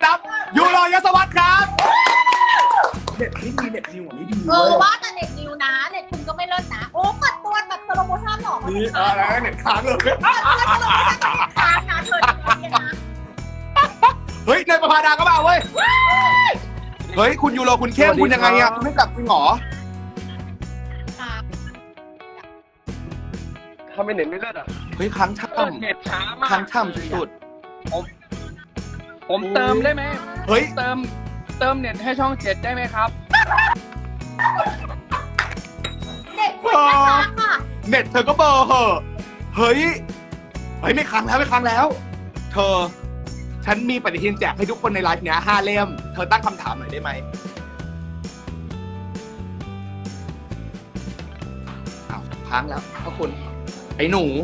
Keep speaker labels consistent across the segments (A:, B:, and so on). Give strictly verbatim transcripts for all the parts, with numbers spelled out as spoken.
A: รับยูโรยศวัตรครับเน็ตไม่ดีเน็ตนิวไม่ดีเออ
B: ว่าแต่เน็ตนิวนะเน็ตคุณก็ไม่เลิศนะโอ้เปิดตัวแบบสโลโมชั่นหรอ
A: นี่อะไรเน็ตค้างเลย
B: ค้างนะเธอนะ
A: เฮ้ยเนยประภาดาก็มาเว้ยเฮ้ยคุณยูโรคุณเข้มคุณยังไงอ่ะคุณไม่กลับจริงหรอ
C: ทำไมเน็ตไม่เลิศอ่ะ
A: เฮ้ยค้างช่ำ
C: เน็ตช้ามาก
A: ค้างช่ำสุด
C: ผมผมเติมได้ไหม
A: เฮ้ย
C: เติมเติมเน็ตให้ช่องเจ็ดได้ไหมครับ
B: เน็ตคุณไม่ค้างค่ะ
A: เน็ตเธอก็เบอร์เหอะเฮ้ยเฮ้ยไม่ค้างแล้วไม่ค้างแล้วเธอฉันมีปฏิทินแจกให้ทุกคนในไลฟ์เนี้ยห้าเล่มเธอตั้งคำถามหน่อยได้ไหมอ้าวค้างแล้วพระคุณไอ้หนู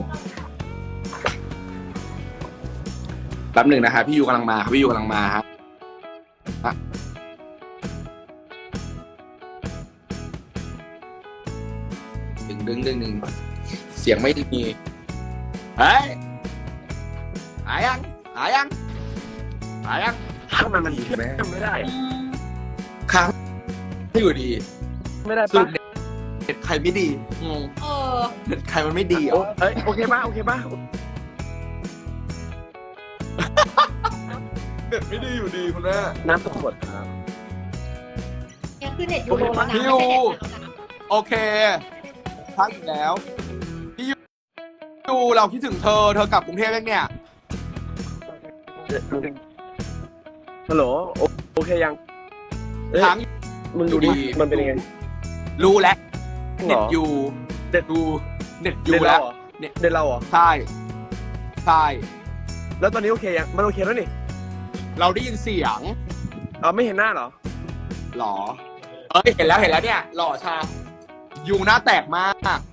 A: แป๊บหนึ่งนะฮะพี่ยูกำลังมาครับพี่ยูกำลังมาครับดึงดึงดึงดึงเสียงไม่ดีเฮ้ยหายยังหายยังหายยัง
C: ทำไมมันแม่ไม่ได้
A: ค้างไม่อยู่ดี
C: ไม่ได้
A: สุ
C: ปะ
A: ดเน็ตใครไม่ดีงง
B: เออ
A: เน็ตใครมันไม่ดีอ่ะ
C: เฮ้ยโอเคป่ะโอเคป่ะ
A: เน็ตไม่ดีอยู่ดีคุณแม่
C: น้ำตกหมดครับ
B: เนี่ยคือเน็ตยูโรแล้วนะ
A: พี่ยูโอเคพักอีกแล้วพี่ยูยูเราคิดถึงเธอเธอกลับกรุงเทพแล้วเนี่ย
C: ฮัลโหลโอเคยัง
A: ทั้ง
C: มึงดูดิมันเป็นยังไง
A: รู้แล้วเน็ตยูเน็ตยูเน็ตยูแล้ว
C: เน็ตเราเหรอ
A: ใช่ใช่
C: แล้วตอนนี้โอเคยังมันโอเคแล้วนี่
A: เราได้ยินเสียง
C: เออไม่เห็นหน้าเหรอ
A: หรอเอ้ยเห็นแล้วเห็นแล้วเนี่ยหล่อชายูหน้าแตกมาก